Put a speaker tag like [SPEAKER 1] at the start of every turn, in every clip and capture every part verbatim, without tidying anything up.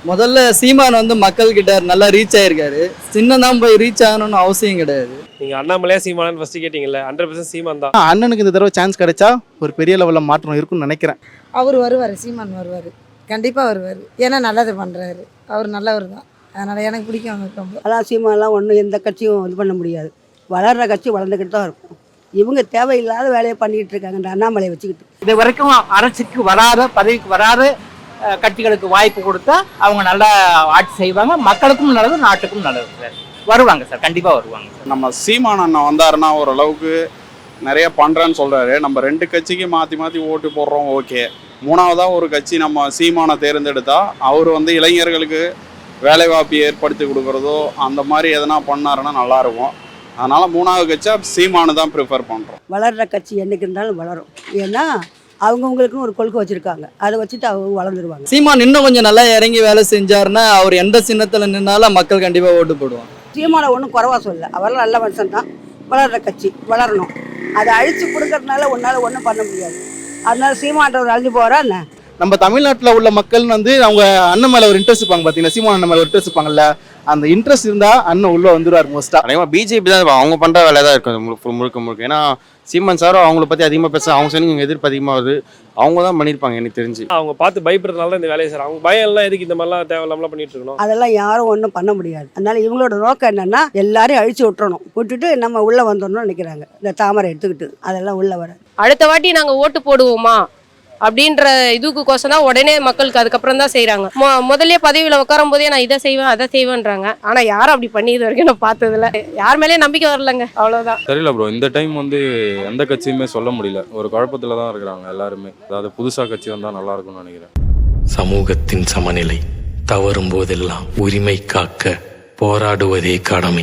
[SPEAKER 1] முதல்ல சீமான் வந்து மக்கள் கிட்ட நல்லா ரீச் ஆயிருக்காரு. சின்ன தான் போய் ரீச் ஆகணும்னு அவசியம் கிடையாது.
[SPEAKER 2] நீங்க அண்ணாமலையா சீமானு ஃபர்ஸ்ட் கேட்டீங்கல்ல, ஹண்ட்ரட் பர்சன்ட் சீமான் தான்.
[SPEAKER 3] அண்ணனுக்கு இந்த தடவை சான்ஸ் கிடைச்சா ஒரு பெரிய லெவலில் மாற்றம் இருக்குன்னு நினைக்கிறேன்.
[SPEAKER 4] அவர் வருவார், சீமான் வருவார், கண்டிப்பாக வருவார். ஏன்னா நல்லது பண்ணுறாரு, அவர் நல்லவர் தான். அதனால் எனக்கு பிடிக்கும் அவருக்கு ரொம்ப.
[SPEAKER 5] அதான் சீமானெலாம் ஒன்றும் எந்த கட்சியும் இது பண்ண முடியாது. வளர்கிற கட்சி வளர்ந்துக்கிட்டு தான் இருக்கும். இவங்க தேவையில்லாத வேலையை பண்ணிக்கிட்டு இருக்காங்க இந்த அண்ணாமலையை வச்சுக்கிட்டு.
[SPEAKER 6] இது வரைக்கும் அரசுக்கு வராத, பதவிக்கு வராத கட்சிகளுக்கு வாய்ப்பு கொடுத்தா அவங்க நல்லா ஆட்சி செய்வாங்க. மக்களுக்கும் நல்லது, நாட்டுக்கும் நல்லது சார். வருவாங்க சார், கண்டிப்பாக வருவாங்க சார்.
[SPEAKER 7] நம்ம சீமான் அண்ணா வந்தாருன்னா ஓரளவுக்கு நிறைய பண்ணுறேன்னு சொல்கிறாரு. நம்ம ரெண்டு கட்சிக்கு மாற்றி மாற்றி ஓட்டு போடுறோம், ஓகே. மூணாவதாக ஒரு கட்சி நம்ம சீமானை தேர்ந்தெடுத்தா அவர் வந்து இளைஞர்களுக்கு வேலைவாய்ப்பு ஏற்படுத்தி கொடுக்குறதோ அந்த மாதிரி எதனா பண்ணாருன்னா நல்லாயிருக்கும். அதனால் மூணாவது கட்சியாக சீமானு தான் ப்ரிஃபர் பண்ணுறோம்.
[SPEAKER 5] வளர்கிற கட்சி என்றைக்கு இருந்தாலும் வளரும். ஏன்னா அவங்கவுங்களுக்கும் ஒரு கொள்கை வச்சுருக்காங்க, அதை வச்சுட்டு அவங்க வளர்ந்துருவாங்க.
[SPEAKER 1] சீமான் இன்னும் கொஞ்சம் நல்லா இறங்கி வேலை செஞ்சாருன்னா அவர் எந்த சின்னத்தில் நின்னாலும் மக்கள் கண்டிப்பாக ஓட்டு போடுவாங்க.
[SPEAKER 5] சீமானை ஒன்றும் குறைவா சொல்லல, அவரெல்லாம் நல்ல மனுஷன் தான். வளர்கிற கட்சி வளரணும், அதை அழிச்சு கொடுக்கறதுனால ஒன்றால் ஒன்றும் பண்ண முடியாது. அதனால சீமான்றவர் அழிஞ்சு போகிறா என்ன.
[SPEAKER 3] நம்ம தமிழ்நாட்டில் உள்ள மக்கள் வந்து அவங்க அண்ணன் மேலே ஒரு இன்ட்ரெஸ்ட் இருப்பாங்க. பார்த்தீங்கன்னா சீமான் அண்ணன் மேலே ஒரு இன்ட்ரெஸ்ட் இருப்பாங்கல்ல, அந்த இன்ட்ரெஸ்ட் இருந்தால் அண்ணன் உள்ளே வந்துடுவார் மோஸ்ட்டாக.
[SPEAKER 8] அதிகமாக பிஜேபி தான் அவங்க பண்ணுற வேலை தான் இருக்கும் முழுக்க முழுக்க முழுக்க. ஏன்னா சீமான் சாரும் அவங்கள பற்றி அதிகமாக பேச, அவங்க சொன்னீங்க இங்கே எதிர்ப்பு அதிகமாக வருது, அவங்க தான் பண்ணியிருப்பாங்க எனக்கு தெரிஞ்சு.
[SPEAKER 2] அவங்க பார்த்து பயப்படுறதுனால தான் இந்த வேலையை சார். அவங்க பயம் எல்லாம் எதுக்கு இந்த மாதிரிலாம் தேவையில்லாமலாம் பண்ணிட்டு இருக்கணும்.
[SPEAKER 5] அதெல்லாம் யாரும் ஒன்றும் பண்ண முடியாது. அதனால இவங்களோட நோக்கம் என்னன்னா எல்லாரையும் அழிச்சு விட்டுறணும், விட்டுட்டு நம்ம உள்ளே வந்துடணும்னு நினைக்கிறாங்க. இந்த தாமரை எடுத்துக்கிட்டு அதெல்லாம் உள்ளே வர.
[SPEAKER 9] அடுத்த வாட்டி நாங்கள் ஓட்டு போடுவோமா அப்படின்ற இதுக்கு கோசம் தான் உடனே மக்களுக்கு அதுக்கப்புறம் தான் செய்கிறாங்க. மொ முதல்ல பதவியில் உட்காரும் போதே நான் இதை செய்வேன் அதை செய்வேன்றாங்க. ஆனால் யாரும் அப்படி பண்ணி இது வரைக்கும் நான் பார்த்ததில்ல. யார் மேலேயும் நம்பிக்கை வரலங்க, அவ்வளோதான்.
[SPEAKER 10] தெரியல ப்ரோ, இந்த டைம் வந்து எந்த கட்சியுமே சொல்ல முடியல, ஒரு குழப்பத்தில் தான் இருக்கிறாங்க எல்லாருமே. அதாவது புதுசாக கட்சி வந்தால் நல்லா இருக்கும்னு நினைக்கிறேன்.
[SPEAKER 11] சமூகத்தின் சமநிலை தவறும் போதெல்லாம் உரிமை காக்க போராடுவதே கடமை.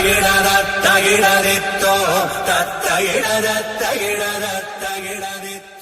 [SPEAKER 12] தகிடரித்தோ தத்தகிடர தகிடர தகிடரித்தோ